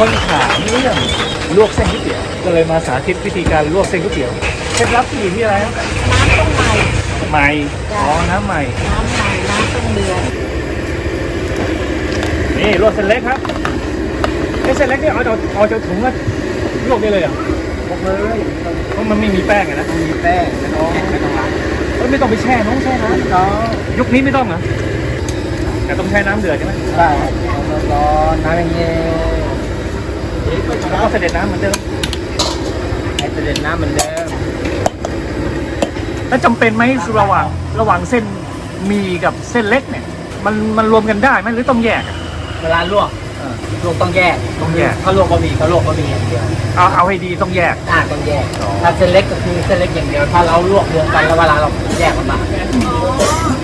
คนถามเรื่องลวกเส้นก๋วยเตี๋ยวก็เลยมาสาธิตวิธีการลวกเส้นก๋วยเตี๋ยวเคล็ดลับที่อยู่ที่อะไรครับน้ำต้องใหม่ใหม่อ๋อน้ำใหม่น้ำใหม่น้ำต้องเดือดนี่ลวกเส้นเล็กครับเส้นเล็กนี่เอาจากถุงมาลวกได้เลยเหรอพกเลยเพราะมันไม่มีแป้งอะนะมีแป้งไม่ต้องล้างไม่ต้องไปแช่น้องแช่น้ก็ำยุคนี้ไม่ต้องเหรอแต่ต้องแช่น้ำเดือดใช่ไหมได้ร้อนน้ำเย็นแล้วก็เสด็จน้ำเหมือนเดิมให้เสด็จน้ำเหมือนเดิมแล้วจำเป็นไหมระหว่างเส้นหมีกับเส้นเล็กเนี่ยมันรวมกันได้ไหมหรือต้องแยกอะเวลาลวกต้องแยกต้องแยกถ้าลวกบะหมี่เขาลวกบะหมี่อย่างเดียวเอาให้ดีต้องแยกต้องแยกถ้าเส้นเล็กก็คือเส้นเล็กอย่างเดียวถ้าเราลวกรวมกันแล้วเวลาเราแยกมันมา